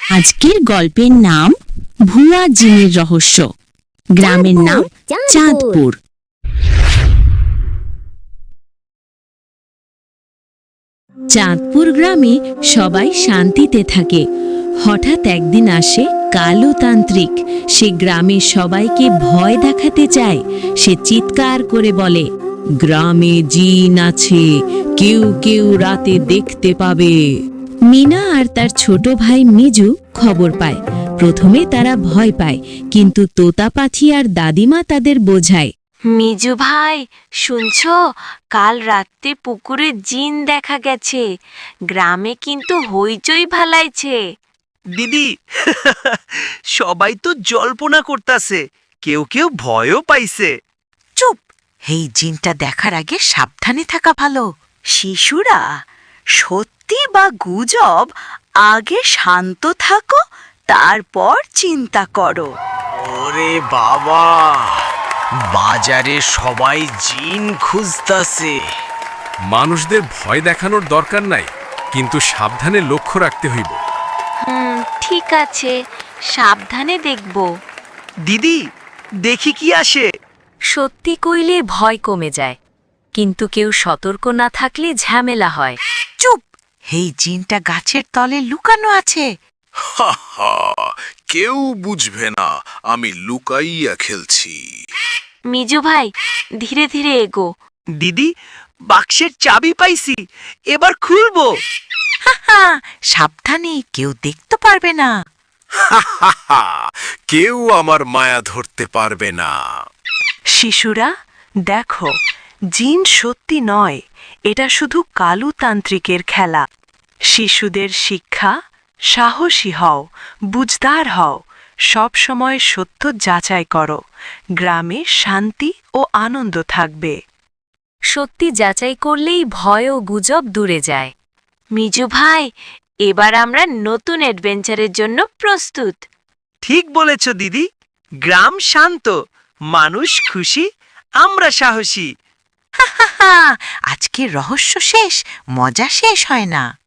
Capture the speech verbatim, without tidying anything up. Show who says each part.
Speaker 1: আজকের গল্পের নাম ভুয়া জিনের রহস্য। গ্রামের নাম চাঁদপুর। চাঁদপুর গ্রামে সবাই শান্তিতে থাকে। হঠাৎ একদিন আসে কালো তান্ত্রিক। সে গ্রামের সবাইকে ভয় দেখাতে চায়। সে চিৎকার করে বলে, গ্রামে জিন আছে, কেউ কেউ রাতে দেখতে পাবে। মিনা আর তার ছোট ভাই মিজু খবর পায়। প্রথমে তারা ভয় পায়, কিন্তু তোতা পাখি আর দাদিমা তাদের বোঝায়।
Speaker 2: মিজু ভাই, শুনছো? কাল রাতে পুকুরে জিন দেখা গেছে। গ্রামে কিন্তু হইচই ভালাইছে।
Speaker 3: দিদি, সবাই তো জল্পনা করতাছে, কেউ কেউ ভয়ও পাইছে।
Speaker 4: চুপ! এই জিনটা দেখার আগে সাবধানে থাকা ভালো। শিশুরা, সত্যি বা গুজব, আগে শান্ত থাকো, তারপর চিন্তা করো।
Speaker 5: ওরে বাবা, বাজারে সবাই জিন খুঁজতাছে।
Speaker 6: মানুষদের ভয় দেখানোর দরকার নাই, কিন্তু সাবধানে লক্ষ্য রাখতে হইব।
Speaker 2: হুম, ঠিক আছে, সাবধানে দেখব।
Speaker 3: দিদি, দেখি কি আসে।
Speaker 2: সত্যি কইলে ভয় কমে যায়, কিন্তু কেউ সতর্ক না থাকলে ঝামেলা হয়।
Speaker 4: চুপ! এই জিনটা গাছের তলে লুকানো আছে।
Speaker 7: হা হা, কেউ বুঝবে না আমি লুকাইয়া খেলছি।
Speaker 2: মিজু ভাই, ধীরে ধীরে এগো।
Speaker 3: দিদি, বাক্সের চাবি পাইছি, এবার খুলবো।
Speaker 4: হা, সাবধানে, কেউ দেখতে পারবে না।
Speaker 7: হা হা হা, কেউ আমার মায়া ধরতে পারবে না।
Speaker 8: শিশুরা, দেখো, জিন সত্যি নয়, এটা শুধু কালু তান্ত্রিকের খেলা। শিশুদের শিক্ষা, সাহসী হও, বুঝদার হও, সব সময় সত্য যাচাই করো। গ্রামে শান্তি ও আনন্দ থাকবে।
Speaker 2: সত্যি যাচাই করলেই ভয় ও গুজব দূরে যায়। মিজু ভাই, এবার আমরা নতুন অ্যাডভেঞ্চারের জন্য প্রস্তুত।
Speaker 3: ঠিক বলেছ দিদি, গ্রাম শান্ত, মানুষ খুশি, আমরা সাহসী।
Speaker 4: হা, আজকে রহস্য শেষ, মজা শেষ হয় না।